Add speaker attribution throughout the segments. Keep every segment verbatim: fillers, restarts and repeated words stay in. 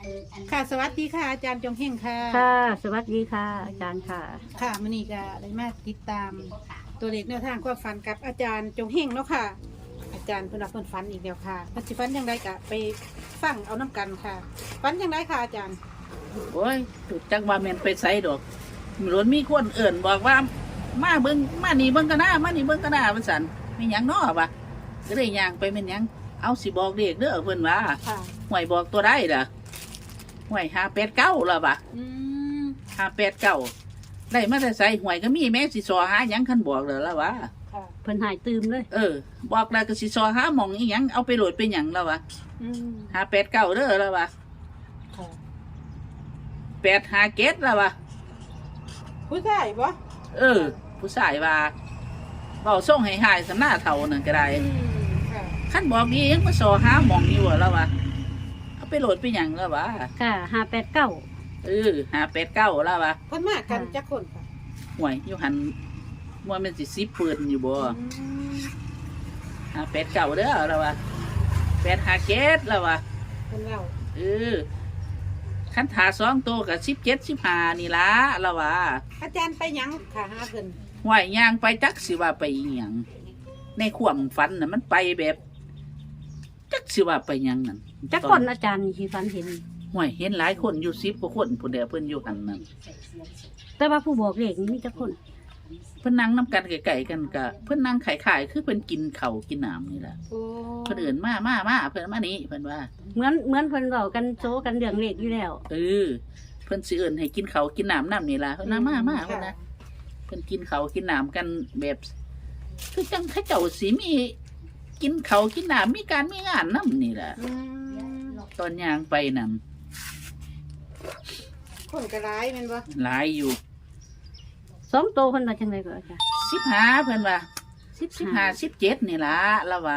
Speaker 1: ค่ะสวัสดีค่ะอาจารย์จงเฮงค่ะ
Speaker 2: ค่ะสวัสดีค่ะอาจารย์ค่ะ
Speaker 1: ค่ะมื้อนี้ก็ได้มาติดตามตัวเลขแนวทางความฝันกับอาจารย์จงเฮงเนาะค่ะ อาจารย์เพิ่นว่าเพิ่นฝันอีกแล้วค่ะเพิ่นสิฝันจังไดก็ไปฟังเอาน้ำกันค่ะฝันจังไดค่ะอาจารย์
Speaker 3: โอ้ยถูกจังว่าแม่นไปไสดอกหลวนมีคนเอิ่นบอกว่ามาเบิ่งมานี่เบิ่งกันหน้ามานี่เบิ่งกันหน้าว่าซั่นมีหยังน้อวะก็เลยย่างไปแม่นหยังเอาสิบอกเด็กเด้อเพิ่นว่า
Speaker 1: ค่ะ
Speaker 3: ห่วยบอกตัวได้ล่ะห่วยห้าแปดเก้าล่ะบ่ะ
Speaker 1: อืม
Speaker 3: ห้าแปดเก้าได้มาแต่ไสห่วยก็มีแม่สิซอหาหยังคันบอกเด้อล่ะวะ
Speaker 1: ค่ะ
Speaker 2: เพิ่นหายตื่มเลย
Speaker 3: เออ บอกแล้วก็สิซอหาหม่องอีหยังเอาไปโหลดเป็นหยังล่ะวะ
Speaker 1: อืม
Speaker 3: ห้าแปดเก้าเด้อล่ะวะ
Speaker 1: ค่ะ
Speaker 3: แปดห้าเจ็ดล่ะวะ
Speaker 1: ผู้ชายบ่
Speaker 3: เออ ผู้ชายว่าเบาส่งให้หายสำหน้าเท่านั่นก็ได้
Speaker 1: อืมค่ะ
Speaker 3: ขั้นบอกนี้ยังมาสอหาหมองอยู่แล้ววะเอาไปโหลดไปหยังแล้ววะ
Speaker 2: ค่ะห้าแปดเก้า
Speaker 3: เออหาแปดเก้าแล้ววะ
Speaker 1: เพิ่นมากันจักคนค่ะ
Speaker 3: ห่วยอยู่หันมัวมันสิซิปืนอยู่บ่
Speaker 1: อืม
Speaker 3: หาแปดเก้าเด้อแล้ววะแปดหาเจ็ดแล้ววะ
Speaker 1: เพิ่นเล่า
Speaker 3: เออขั้นถาสองตัวกับสิบเจ็ดสิบห้านี่ละแล้ววะ
Speaker 1: อาจารย์ไปหยังค่ะหาเพิ่น
Speaker 3: ห่วยย่างไปจักสิว่าไปอีหยังในความฝันน่ะมันไปแบบจักสิว่าไปหยังนั่น
Speaker 2: จักคนอาจารย์ที่ฝันเห็น
Speaker 3: ห่วยเห็นหลายคนอยู่สิบกว่าคนผู้เดียวเพิ่นอยู่หันนั่น
Speaker 2: แต่ว่าผู้บอกเลขนี่มีจักคน
Speaker 3: เพิ่นนั่งน้ำกันไก่ๆกันกะเพิ่นนั่งขายๆคือเพิ่นกินข้าวกินน้ำนี่แหละ
Speaker 1: โอ้
Speaker 3: เพิ่นเอื่นมามามาเพิ่นมานี่เพิ่นว่า
Speaker 2: เหมือนเหมือนเพิ่นเว้ากันโซกันเรื่องเลขอยู่แล้ว
Speaker 3: เออเพิ่นสิเอื่นให้กินข้าวกินน้ำน้ำนี่ล่ะเพิ่นน่ะมามาเพิ่นนะเพิ่นกินข้าวกินน้ำกันแบบคือจังเขาเจ้าสิมีกินข้าวกินน้ำมีการมีงานน้ำนี่แหละ
Speaker 1: อืม
Speaker 3: ตอนย่างไปนั่น
Speaker 1: คนก็ร้ายแม่นบ่
Speaker 3: หลายอยู่
Speaker 2: สองโตเพิ่นว่าจังไดก็อาจารย์
Speaker 3: สิบห้าเพิ่นว่า
Speaker 2: สิบ
Speaker 3: สิบห้าสิบเจ็ดนี่ล่ะละว่า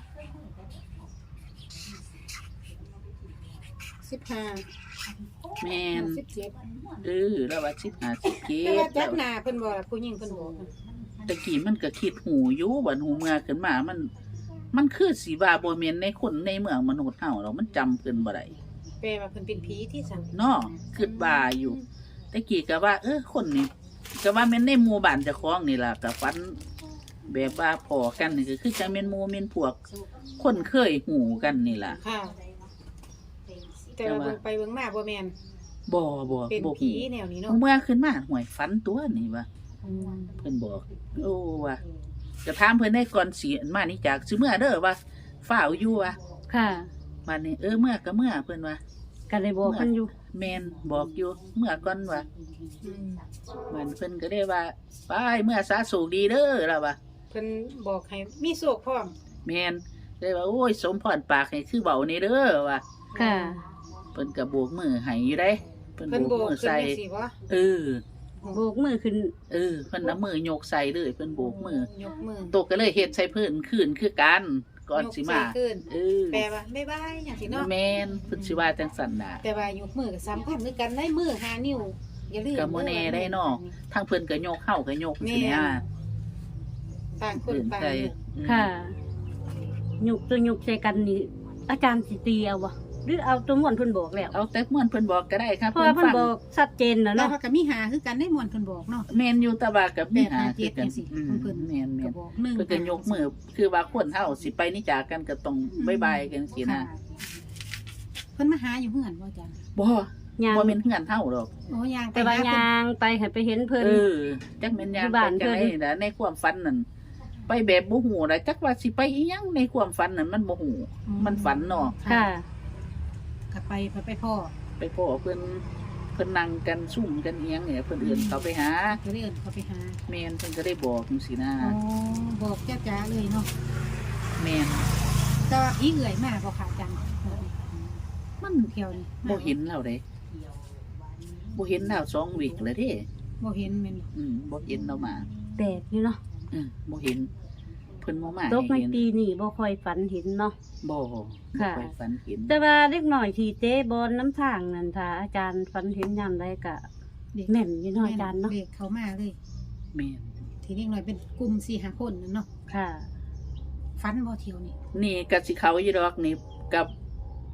Speaker 1: สิบห้า
Speaker 3: แม่น
Speaker 1: สิบเจ็ด
Speaker 3: เออละว่าสิบห้าสิบเจ็
Speaker 1: แต่ว่า
Speaker 3: ด
Speaker 1: จักหน้าเพิ่นบ่ล่ะผู้หญิงเพิ่นบอก
Speaker 3: ตะกี้มันก็คิดหูอยู่บัดหูเมื่อขึ้นมา มัน มันคือสีว่าบ่แม่นในคนในเมืองมนุษย์เฮาเรามันจำเพิ่นบ่ได้
Speaker 1: แปลว่าเพิ่นเป็นผีที่สั่ง
Speaker 3: เนาะคิดว่าอยู่ตะกี้ก็ว่า เออคนนี่ก็ว่าแม่นในหมู่บ้านเจ้าของนี่ล่ะก็ฝัน แบบว่าพอกันนี่ก็คือจังแม่นหมู่แม่นพวก คนเคยหูกันนี่ล่ะ
Speaker 1: ค่ะ แต่ว่าเบิ่งไปเบิ่งมาบ่แม่น
Speaker 3: บ่บ่
Speaker 1: เป็น
Speaker 3: บ่
Speaker 1: ผี
Speaker 3: หู
Speaker 1: แนวนี้เนาะ
Speaker 3: เมื่อขึ้นมาห่วยฝันตัวนี่ว่า
Speaker 1: อืม
Speaker 3: เพิ่นบอก โอ้ว่าจะถามเพิ่นได้ก่อนสิอันมานี่จากสิเมื่อเด้อว่าฝ้าวอยู่ว่า
Speaker 2: ค่ะ
Speaker 3: วันนี้เออเมื่อก็เมื่อเพิ่นว่า
Speaker 2: ก็เลยบอกเพิ่นอยู่
Speaker 3: แมนบอกอยู่เมื่อก่อนว่า
Speaker 1: อืม
Speaker 3: มันเพิ่นก็ได้ว่าไปเมื่อสาสูกดีเด้อแล้วว่า
Speaker 1: เพิ่นบอกให้มีโชคพร้อม
Speaker 3: แมนได้ว่าโอ้ยสมพรปากให้คือเบานี่เด้อว่า
Speaker 2: ค่ะ
Speaker 3: เพิ่นก็โบกมือให้อยู่ได้เพิ่น
Speaker 1: เพิ่น
Speaker 3: โบ
Speaker 1: บอก
Speaker 3: กมือ
Speaker 1: ขึ้น
Speaker 3: ใส่
Speaker 1: จังซี่บ่
Speaker 3: เออ
Speaker 2: โบกมือขึ้น
Speaker 3: เออเพิ่นเอามือยกใส่เลยเพิ่นโบกมือย
Speaker 1: กมือ
Speaker 3: ตกก็เลยเฮ็ดใส่เพิ่นคืนคือกันก่อนสิมาย
Speaker 1: กใส่ขึ้น
Speaker 3: เออ
Speaker 1: แปลว่าบ๊ายบายจังซี่เนาะ
Speaker 3: แมนเพิ่นสิว่าจังซั่นน่ะ
Speaker 1: แต่ว่ายกมือก็สำคัญเหมือนกันได้มือห้านิ้วอย่าลืม
Speaker 3: ก็บ่แน่ได้เนาะ ทางเพิ่นก็ยกเฮาก็ยกสิเนี่ย
Speaker 1: ต่างคน
Speaker 3: เพิ่น
Speaker 1: ต่าง
Speaker 3: ใส่
Speaker 1: มือ
Speaker 3: อืม
Speaker 2: ค่ะหยุกตัวหยุกใส่กันนี่อาจารย์สิตีเอาบ่หรือเอาตัวม่วนเพิ่นบอกแล้ว
Speaker 3: เอาแต่ม่วนเพิ่นบอกก็ได้ครับ
Speaker 2: เพราะว่าเพิ่นบอกชัดเจนแล้ว
Speaker 1: แล้ว
Speaker 2: เนาะ
Speaker 1: เขาก็มีหาคือกันได้มวนเพิ่นบอกเนาะ
Speaker 3: แม่นอยู่แตะว่ากับ
Speaker 1: แม่
Speaker 3: แม่
Speaker 1: หา
Speaker 3: หา
Speaker 1: เจ็
Speaker 3: คือกัน
Speaker 1: ดจังซี่
Speaker 3: อืม
Speaker 1: ของเพิ่น
Speaker 3: แม่นแม่
Speaker 1: ก็
Speaker 3: น
Speaker 1: บอกหนึ่ง
Speaker 3: เพิ่นก็ยกมือคือว่าคนเฮาสิไปนี่จากกันก็ต้องบ๊ายบายกันสินะ
Speaker 1: ค่ะเพิ่นมาหาอยู่เฮือนบ่จ้ะ
Speaker 3: บ่
Speaker 2: ยาง
Speaker 3: บ่แม่นเฮือนเฮาดอก
Speaker 1: โอ้ยางไป
Speaker 2: แต่ว่า
Speaker 1: หเพิ่น
Speaker 2: ยางไปให้ไปเห็นเพิ่น
Speaker 3: เออจักแม่นยาง
Speaker 2: อยู่บ้าน
Speaker 3: ไปจังได๋
Speaker 2: เพิ่น
Speaker 3: นะในความฝันนั่นไปแบบบ่ฮู้นะจักว่าสิไปอีหยังในความฝันนั่นมันบ่ฮู้มันฝันเนาะ
Speaker 2: ค่ะ
Speaker 1: ก็ไปไปไปพ่อ
Speaker 3: ไปพ้อเพิ่นเพิ่นนั่งกันซุ่มกันอีหยังเนี่ยเพิ่นเอิ้นเขาไปหา
Speaker 1: ก็เลยเอิ้นเขาไปหา
Speaker 3: แม่นเพิ่นก็ได้บอกจังซี่นะ
Speaker 1: อ๋อบอกจ้าๆเลยเนาะ
Speaker 3: แม่น
Speaker 1: แต่ว่าอีเอื่อยมาบ่ค่ะจัง
Speaker 3: มัน
Speaker 1: เที่ยวนี่
Speaker 3: บ่เห็นแล้วเด้บ่เห็นแล้วสองวีคแล้วเด้
Speaker 1: บ่เห็นแม่นบ่
Speaker 3: อืมบ่เห็นเรามา
Speaker 2: แปลกอยู่เนาะ
Speaker 3: อืมบ่เห็น เพิ่นบ่มา
Speaker 2: ตกใน
Speaker 3: ให้เห็น
Speaker 2: ปีนี้บ่ค่อยฝันเห็นเนาะ
Speaker 3: บ่บ่
Speaker 2: ค่ะ
Speaker 3: ค่อยฝันเห็น
Speaker 2: แต่ว่าเล็กหน่อยที่เจ๊บอลน้ำทางนั่นถ้าอาจารย์ฝันเห็นยามใดก็แม่นอยู่เนาะอาจารย์เนาะ
Speaker 1: เด็กเขามาเลย
Speaker 3: แม่น
Speaker 1: ทีนี้หน่อยเป็นกลุ่มสี่ห้าคนนั่นเนาะ
Speaker 2: ค่ะ
Speaker 1: ฟันบ่เที่ยวนี่
Speaker 3: นี่ก็สิเขาอยู่ดอกนี่กับ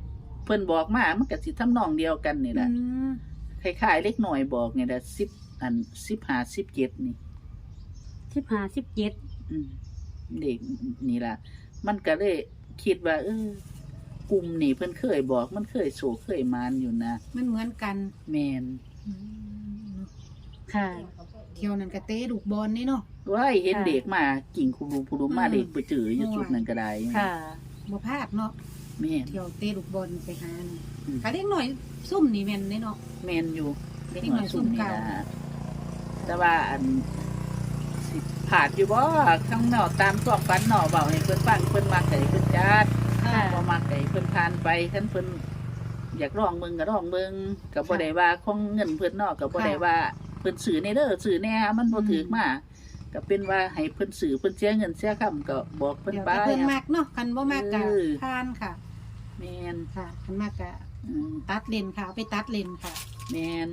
Speaker 3: พิ่นบอกมามันก็สิทำนองเดียวกันนี่แหละ
Speaker 1: อืม
Speaker 3: คล้ายๆเล็กหน่อยบอกนี่แหละสิบอันสิบห้าสิบเจ็ดนี่
Speaker 2: สิบห้าสิบเจ็ด
Speaker 3: อืมเด็กนี่ล่ะ มันก็เลยคิดว่า เออกลุ่มนี่เพิ่นเคยบอก มันเคยโศกเคยมานอยู่นะ
Speaker 1: มันเหมือนกัน
Speaker 3: แมน
Speaker 1: อืม
Speaker 2: ค่ะ
Speaker 1: เที่ยวนั้นก็เตะลูกบอลนี่เนาะ
Speaker 3: ว่าเห็น
Speaker 2: ค่ะ
Speaker 3: เด็กมากิ่งคุรูคุรูมา
Speaker 1: อืม
Speaker 3: เด็กไปเจออยู่จุดนั้นก็ได้
Speaker 2: ค่ะ
Speaker 1: บ่พลาดเนาะ
Speaker 3: แมน
Speaker 1: เที่ยวเตะลูกบอลไปหานี่
Speaker 3: อืม
Speaker 1: ถ้าเด็กหน่อยซุ่มนี่แม่นเด้เนาะ
Speaker 3: แมนอยู่เด็ก
Speaker 1: เด็ก
Speaker 3: น้
Speaker 1: น้
Speaker 3: อ
Speaker 1: อย ย
Speaker 3: สุ่มนี่
Speaker 1: ซุ่มเก่า
Speaker 3: นะแต่ว่าอันสิผาดอยู่บ่ข้างนอกตามตัวฟันหนอเบาให้เพิ่นฟังเพิ่นมาไก่เพิ่นจัด
Speaker 2: ค่ะ
Speaker 3: บ่มาไก่เพิ่นทานไปคันเพิ่นอยากร้องเบิ่งก็ร้องเบิ่งก็บ่ได้ว่าของเงินเพิ่นเนอกก็บ่ได้ว่าเพิ่นซื้อในเด้อซื้อแน่มันบ่ถูกมาก็เป็นว่าให้เพิ่นซื้อเพิ่นเสียเงินเสียคำก็บอกเพิ่น
Speaker 1: เดี๋ยว
Speaker 3: ไป
Speaker 1: แต่เพิ่นมักเนาะคันบ่มักก็
Speaker 3: เออ
Speaker 1: ผ่านค่ะ
Speaker 3: แม่น
Speaker 1: ค่ะคันมักก็
Speaker 3: อืม
Speaker 1: ตัดเลนค่ะเอาไปตัดเลนค่ะ
Speaker 3: แม่น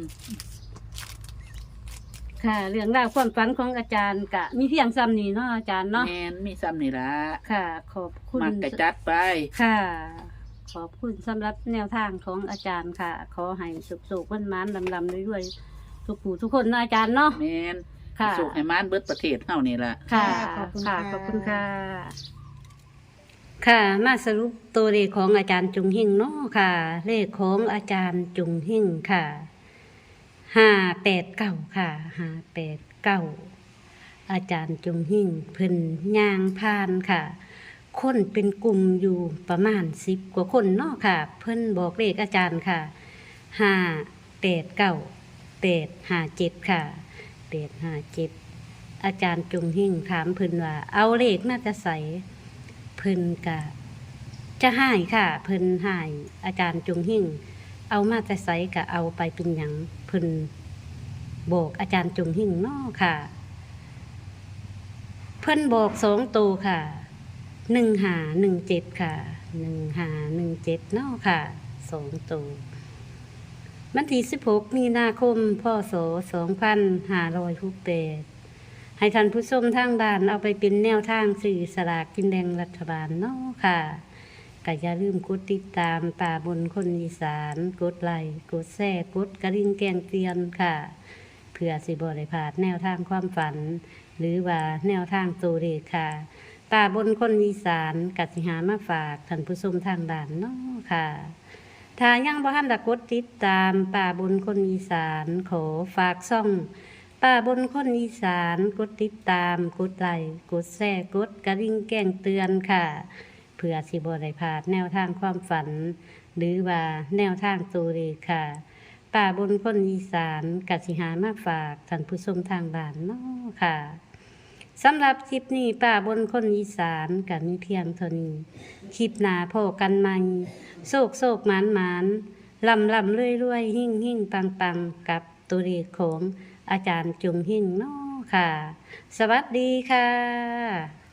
Speaker 2: ค่ะ เรื่องราวความฝันของอาจารย์กะมีเพียงซ้ำนี้เนาะอาจารย์เนาะ
Speaker 3: แม่นมีซ้ำนี่ล่ะ
Speaker 2: ค่ะ ขอบคุณ
Speaker 3: มักก็จัดไป
Speaker 2: ค่ะ ขอบคุณสำหรับแนวทางของอาจารย์ค่ะ ขอให้สุขๆวันมานๆลำๆด้วยๆทุกผู้ทุกคนนะอาจารย์เนาะ
Speaker 3: แม่น
Speaker 2: ค่ะ
Speaker 3: สุขให้มานเบิดประเทศเฮานี่ล่ะ
Speaker 2: ค่ะ
Speaker 1: ขอบคุณ
Speaker 2: ค่ะ
Speaker 1: ค่ะ
Speaker 2: ขอบคุณค่ะ ค่ะ มาสรุปตัวเลขของอาจารย์จุงหิ่งเนาะค่ะ เลขของอาจารย์จุงหิ่งค่ะ ห้าแปดเก้าค่ะ ห้าแปดเก้า อาจารย์จุงหิ่งเพิ่นย่างพานค่ะ คนเป็นกลุ่มอยู่ประมาณสิบกว่าคนเนาะค่ะ เพิ่นบอกเลขอาจารย์ค่ะ ห้าแปดเก้า แปดห้าเจ็ดค่ะ แปดห้าเจ็ด อาจารย์จุงหิ่งถามเพิ่นว่า เอาเลขน่าจะใส่เพิ่นกะจะให้ค่ะ เพิ่นให้อาจารย์จุงหิ่งเอามาจะใส่กะเอาไปเป็นหยังเพิ่นบอกอาจารย์จุงหิ่งเนาะค่ะ เพิ่นบอกสองตัวค่ะหนึ่งหาหนึ่งเจ็ดค่ะหนึ่งหาหนึ่งเจ็ดเนาะค่ะสองตัววันที่สิบหกมีนาคมพศสองพันห้าร้อยหกแปดให้ท่านผู้ชมทางบ้านเอาไปเป็นแนวทางสื่อสลากกินแดงรัฐบาลเนาะค่ะก็อย่าลืมกดติดตามป่าบนคนอีสานกดไลค์กดแชร์กดกระดิ่งแกงเตือนค่ะ เพื่อสิบริพลาดแนวทางความฝัน หรือว่าแนวทางตัวเลขค่ะป่าบนคนอีสานกัสิหามาฝากท่านผู้ชมทางด่านเนาะค่ะ ถ้ายังบ่ทันได้กดติดตามป่าบนคนอีสานขอฝากซ่องป่าบนคนอีสานกดติดตามกดไลค์กดแชร์กดกระดิ่งแจ้งเตือนค่ะ เพื่อสิบ่ได้พลาดแนวทางความฝัน หรือว่าแนวทางตัวเลขค่ะ ป่าบนคนอีสานกัสิหามาฝากท่านผู้ชมทางบ้านเนาะค่ะสำหรับคลิปนี้ป่าบนคนอีสานกับมีเพียงเท่านี้คลิปหนาพอกันใหม่โศกโศกหมานหมานลำลำเรื่อยเรื่อยหิ่งหิ่งปังปังกับตัวเลขของอาจารย์จุงหิ่งเนาะค่ะ สวัสดีค่ะ